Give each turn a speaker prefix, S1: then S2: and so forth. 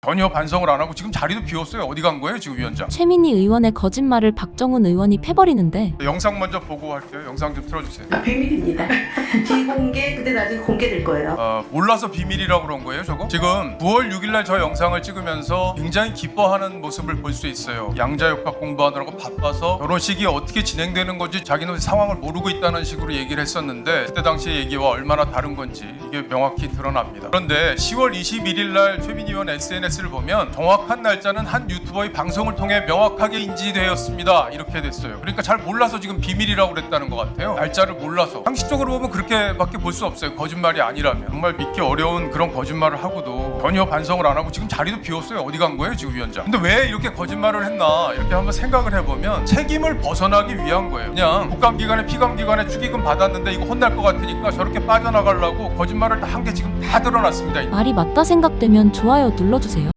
S1: 전혀 반성을 안 하고 지금 자리도 비웠어요. 어디 간 거예요 지금 위원장?
S2: 최민희 의원의 거짓말을 박정훈 의원이 패버리는데
S1: 영상 먼저 보고 할게요. 영상 좀 틀어주세요.
S3: 비밀입니다. 비공개 근데 나중에 공개될 거예요.
S1: 몰라서 비밀이라고 그런 거예요 저거? 지금 9월 6일날 저 영상을 찍으면서 굉장히 기뻐하는 모습을 볼 수 있어요. 양자역학 공부하느라고 바빠서 결혼식이 어떻게 진행되는 건지 자기는 상황을 모르고 있다는 식으로 얘기를 했었는데 그때 당시 얘기와 얼마나 다른 건지 이게 명확히 드러납니다. 그런데 10월 21일날 최민희 의원 SNS를 보면 정확한 날짜는 한 유튜버의 방송을 통해 명확하게 인지되었습니다. 이렇게 됐어요. 그러니까 잘 몰라서 지금 비밀이라고 그랬다는 것 같아요. 날짜를 몰라서. 상식적으로 보면 그렇게밖에 볼 수 없어요. 거짓말이 아니라면. 정말 믿기 어려운 그런 거짓말을 하고도 전혀 반성을 안 하고 지금 자리도 비웠어요. 어디 간 거예요 지금 위원장? 근데 왜 이렇게 거짓말을 했나 이렇게 한번 생각을 해보면 책임을 벗어나기 위한 거예요. 그냥 국감기간에 피감기간에 축의금 받았는데 이거 혼날 것 같으니까 저렇게 빠져나가려고 거짓말을 한 게 지금 다 드러났습니다.
S2: 말이 맞다 생각되면 좋아요 눌러주세요.